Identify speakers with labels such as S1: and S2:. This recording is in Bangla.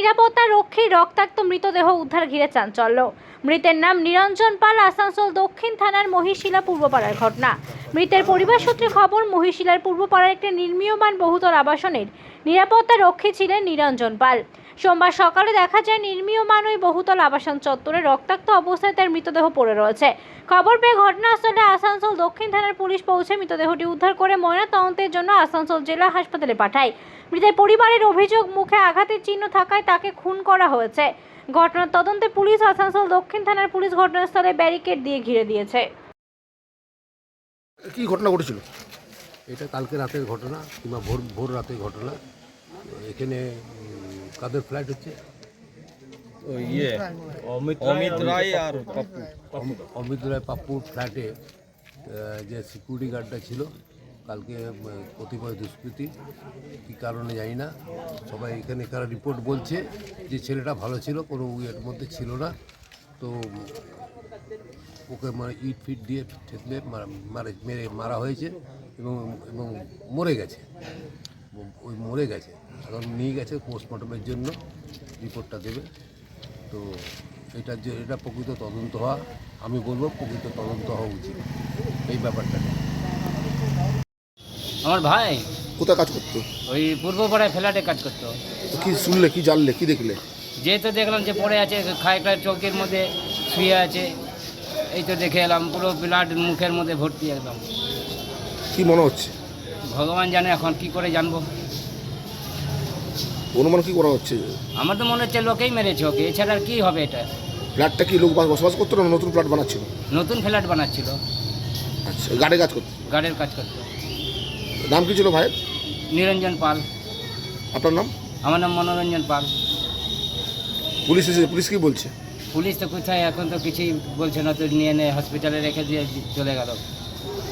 S1: নিরাপত্তা রক্ষীর রক্তাক্ত মৃতদেহ উদ্ধার ঘিরে চাঞ্চল্য। মৃতের নাম নিরঞ্জন পাল, আসানসোল দক্ষিণ থানার মহিশিলা পূর্বপাড়ার ঘটনা। মৃতের পরিবার সূত্রে খবর, মহিশিলার পূর্বপাড়ার একটি নির্মীয়মান বহুতল আবাসনের নিরাপত্তা রক্ষী ছিলেন নিরঞ্জন পাল। সোমবার সকালে দেখা যায় নির্মীয়মান ওই বহুতল আবাসন চত্বরে রক্তাক্ত অবস্থায় তার মৃতদেহ পড়ে রয়েছে। খবর পেয়ে ঘটনাস্থলে আসানসোল দক্ষিণ থানার পুলিশ পৌঁছে মৃতদেহটি উদ্ধার করে ময়নাতদন্তের জন্য আসানসোল জেলা হাসপাতালে পাঠায়। মৃতের পরিবারের অভিযোগ, মুখে আঘাতের চিহ্ন থাকায় তাকে খুন করা হয়েছে। ঘটনার তদন্তে পুলিশ আসানসোল দক্ষিণ থানার পুলিশ ঘটনাস্থলে ব্যারিকেড দিয়ে ঘিরে দিয়েছে।
S2: কি ঘটনা ঘটেছিল?
S3: এটা কালকে রাতের ঘটনা কিংবা ভোর রাতের ঘটনা। এখানে কাদের ফ্ল্যাট হচ্ছে?
S4: অমিত রায় আর
S3: অমিত রায় পাপ্পুর ফ্ল্যাটে যে সিকিউরিটি গার্ডটা ছিল, কালকে কতিপয় দুষ্কৃতী কী কারণে জানি না, সবাই এখানে রিপোর্ট বলছে যে ছেলেটা ভালো ছিল, কোনো এর মধ্যে ছিল না। তো ওকে ইট ফিট দিয়ে ঠেকলে মেরে মারা হয়েছে এবং মরে গেছে। মরে গেছে, এখন নিয়ে গেছে পোস্টমর্টমের জন্য, রিপোর্টটা দেবে। তো এটা প্রকৃত তদন্ত হওয়া, আমি বলবো প্রকৃত তদন্ত হওয়া উচিত এই ব্যাপারটা।
S5: আমার ভাই
S2: কোথায় কাজ করতো?
S5: ওই পূর্বপাড়ায় ফ্ল্যাটে কাজ করতো।
S2: তো কি শুনলে, কি জানলে, কি দেখলে?
S5: যে তো দেখলাম যে পড়ে আছে, খায়টার চৌকির মধ্যে শুয়ে আছে, এই তো দেখে এলাম, পুরো ব্লাড মুখের মধ্যে ভর্তি একদম।
S2: কি মনে হচ্ছে?
S5: ভগবান জানে, এখন কি করে জানবো।
S2: অনুমান কি করা হচ্ছে?
S5: আমার তো মনে হচ্ছে লোকেই মেরেছে ওকে, এছাড়া আর কি হবে। এটা
S2: ফ্ল্যাটটা কি লোক বসবাস করতো না নতুন ফ্ল্যাট বানাচ্ছিল?
S5: নতুন ফ্ল্যাট বানাচ্ছিল,
S2: আচ্ছা, গাড়ি কাজ করতো?
S5: গার্ডের কাজ করতো।
S2: নাম কি ছিল ভাই?
S5: নিরঞ্জন পাল।
S2: আপনার নাম?
S5: আমার নাম মনোরঞ্জন পাল।
S2: পুলিশ এসেছে, পুলিশ কি বলছে?
S5: পুলিশ তো কোথায়, এখন তো কিছুই বলছে না, তো নিয়ে হসপিটালে রেখে দিয়ে চলে গেল।